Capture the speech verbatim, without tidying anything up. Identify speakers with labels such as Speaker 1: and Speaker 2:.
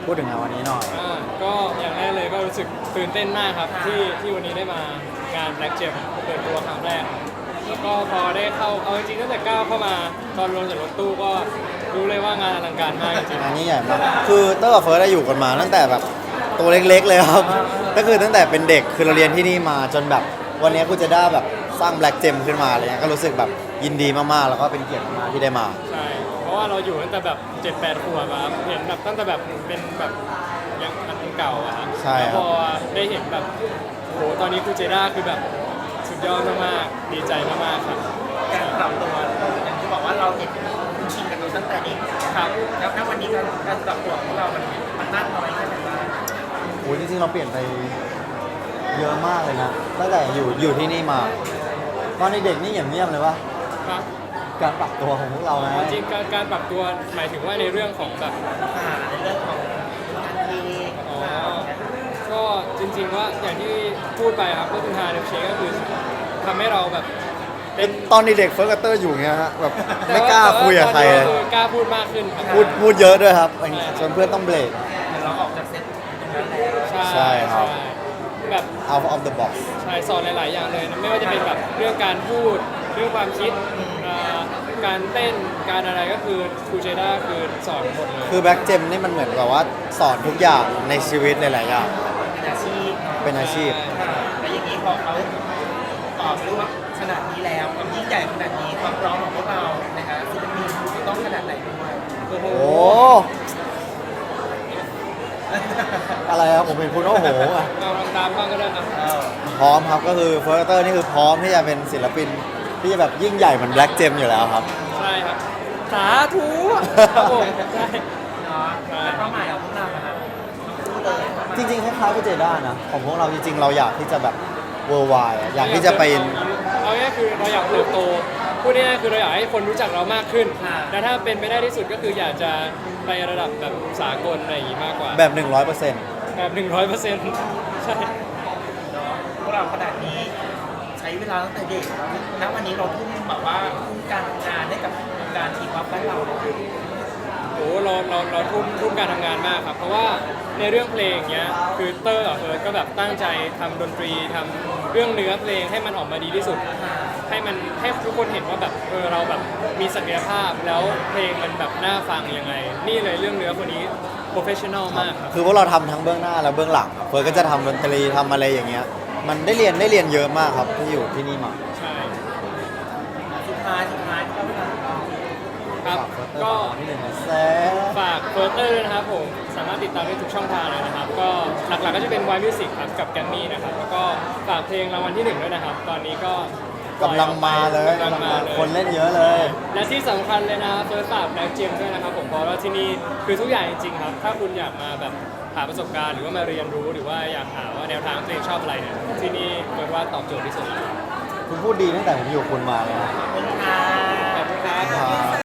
Speaker 1: พูดถึงงานวันนี้หน่อย
Speaker 2: อ่าก็อย่างแรกเลยก็รู้สึกตื่นเต้นมากครับที่ที่วันนี้ได้มางาน Black Gem เปิดตัวครั้งแรกแล้วก็พอได้เข้าเอาจริงๆตั้งแต่ก้าวเข้ามาตอนลงจากรถตู้ก็รู้เลยว่างานอลังการมากจริง
Speaker 1: งานนี้ใหญ่มากคือเตอร์กับเฟิร์สได้อยู่กันมาตั้งแต่แบบตัวเล็กๆเลยครับก็คือตั้งแต่เป็นเด็กคือเราเรียนที่นี่มาจนแบบวันนี้กูจะได้แบบสร้าง Black Gem ขึ้นมาอะไรเงี้ยก็รู้สึกแบบยินดีมากๆแล้วก็เป็นเกียรติมากๆที่ได้มา
Speaker 2: ใช่เพราะว่าเราอยู่ตั้งแต่แบบเจ็ดแปดขวบอะครับเห็นแบบตั้งแต่แบบเป็นแบบยังอันเก่าอะครับ
Speaker 1: ใช่
Speaker 2: แล้ว
Speaker 1: ค
Speaker 2: พ
Speaker 1: รับ
Speaker 2: อได้เห็นแบบโหตอนนี้คูเจด้าคือแบบสุดยอดมากๆดีใจมากๆครับ
Speaker 3: การปรับตัวอย่างที่บอกว่าเราเห็นคุณชินกับเราตั้งแต่เด็ก
Speaker 2: ครับ
Speaker 3: แล้วณวันนี้การการปรับตัวของเรา มันมันมากน้อยแค่ไหนบ้าง
Speaker 1: โอ้ยจริงๆเราเปลี่ยนไปเยอะมากเลยนะตั้งแต่อยู่อยู่ที่นี่มาตอนเด็กๆนี่อย่างเงียบเลยวะ
Speaker 2: ครับ
Speaker 1: การปรับตัวของพวกเรานะ
Speaker 2: จริงๆการการปรับตัวหมายถึงว่าในเรื่องของแบบ
Speaker 3: อ่าในเรื่องของการเพลง
Speaker 2: อ๋อก็จริงๆว่าอย่างที่พูดไปครับก็คือฮาเดฟเชคก็คือทำให้เราแบบเป็น
Speaker 1: ตอนเด็กๆเฟิร์สกับเตอร์อยู่เงี้ยฮะแบบไม่กล้าคุยกับใคร
Speaker 2: แต่
Speaker 1: เลย
Speaker 2: ว่าตอนนี้คือกล้าพูดมากขึ้นครับ
Speaker 1: พูดพูดเยอะด้วยครับจนเพื่อนต้องเบรก
Speaker 3: เหมือนเราออกจากเซตตรงนั้นแล้ว
Speaker 1: ใช่ครับ
Speaker 2: ใช่แบบ
Speaker 1: out of the box
Speaker 2: ใช่สอนหลายๆอย่างเลยนะไม่ว่าจะเป็นแบบเรื่องการพูดเรื่องความคิดเอ่อการเต้นการอะไรก็คือครูเจด้าคือสอนหมดเลย
Speaker 1: คือแบ็กเจมนี่มันเหมือนกับว่าสอนทุกอย่างในชีวิตหลายๆอย่าง
Speaker 3: เป็นอาชีพเนาะ
Speaker 1: เป็นอาชีพ
Speaker 3: อ่าแล้วอย่างนี้พอเขาต่อสู้ขนาดนี้แล้วความยิ่งใหญ่ขนาดนี้ความพร้อมของพวกเรานะคะศิลปินจะต้องขนาดไหนด้วยโอ้โห
Speaker 1: โอ้อะไรครับผมเป็นคุณโอ้โหอะ
Speaker 2: เราทำตามบ้างก็ได้นะ
Speaker 3: เออ
Speaker 1: พร้อมครับก็คือเฟิร์สเตอร์นี่คือพร้อมที่จะเป็นศิลปินที่จะแบบยิ่งใหญ่เหมือนแบล็กเจมอยู่แล้วครับ
Speaker 2: ใช่ครับสาธุครับผมใช่
Speaker 3: เนาะแล้วเป้าหมายของพวกเราอะครับพูดเลยเป้าหมาย
Speaker 1: จริงๆคล้ายๆกับเจด้านะของพวกเราจริงๆ เราอยากที่จะแบบ worldwide อะอยากที่จะไป
Speaker 2: เอาง่ายๆคือเราอยากเติบโตพูดง่ายๆคือเราอยากให้คนรู้จักเรามากขึ้น
Speaker 3: ค่ะ
Speaker 2: แต่ถ้าเป็นไปได้ที่สุดก็คืออยากจะไประดับแบบสากลอะไรอย่างงี้มากกว่า
Speaker 1: แบบ หนึ่งร้อยเปอร์เซ็นต์
Speaker 2: แบบหนึ่งร้อยเปอร์เซ็นต์ใช่
Speaker 3: เนาะพวกเราขนาดนี้ใช้เวลาตั้งแต่เด็กณวันนี้เราทุ่มแบบว่าทุ่มการทำงานให้กับการทีมวัฟบ้านเราเลย
Speaker 2: โอ้เราเราเราทุ่มทุ่มการทำงานมากครับ เพราะว่าในเรื่องเพลงเนี้ยคือเตอร์กับเฟิร์สก็แบบตั้งใจทำดนตรีทำเรื่องเนื้อเพลงให้มันออกมาดีที่สุด ให้มันให้ทุกคนเห็นว่าแบบเออเราแบบมีศักยภาพแล้วเพลงมันแบบน่าฟังยังไง นี่เลยเรื่องเนื้อคนนี้โปรเฟชชั่นอลมากครับ
Speaker 1: คือพวกเราทำทั้งเบื้องหน้าและเบื้องหลังเฟิร์สก็จะทำดนตรีทำอะไรอย่างเงี้ยมันได้เรียนได้เรียนเยอะมากครับที่อยู่ที่นี่มา
Speaker 2: ใช่
Speaker 3: สุดท้ายสุดท้ายก็ไม่ทัน
Speaker 2: ครับ
Speaker 1: ฝากเฟิร์สเตอร์
Speaker 2: ก็
Speaker 1: ฝากที่หนึ่งนะแซ่
Speaker 2: ฝากเฟิร์สเตอร์ด้วยนะครับผมสามารถติดตามได้ทุกช่องทางเลยนะครับ ก็หลักๆก็จะเป็น Y Music ครับกับแกมมี่นะครับแล้วก็ฝากเพลงรางวัลที่หนึ่งด้วยนะครับ ตอนนี้ก็
Speaker 1: กำลังมาเลย
Speaker 2: กำลังมาเลย
Speaker 1: คนเล่นเยอะเลย
Speaker 2: และที่สำคัญเลยนะเฟิร์สฝากแบล็กเจมด้วยนะครับผมเพราะว่าที่นี่คือทุกอย่างจริงๆครับ ถ้าคุณอยากมาแบบหาประสบการณ์หรือว่ามาเรียนรู้หรือว่าอยากหาว่าแนวทางเพลงชอบอะไรเนี่ยที่นี่เฟิร์สว่าตอบโจทย์ที่สุดแล้ว
Speaker 1: คุณพูดดีตั้งแต่ผมอยู่กับคุณมาเลยนะ
Speaker 3: ขอบคุณค่ะ
Speaker 2: ขอบคุณครับ
Speaker 1: ครับ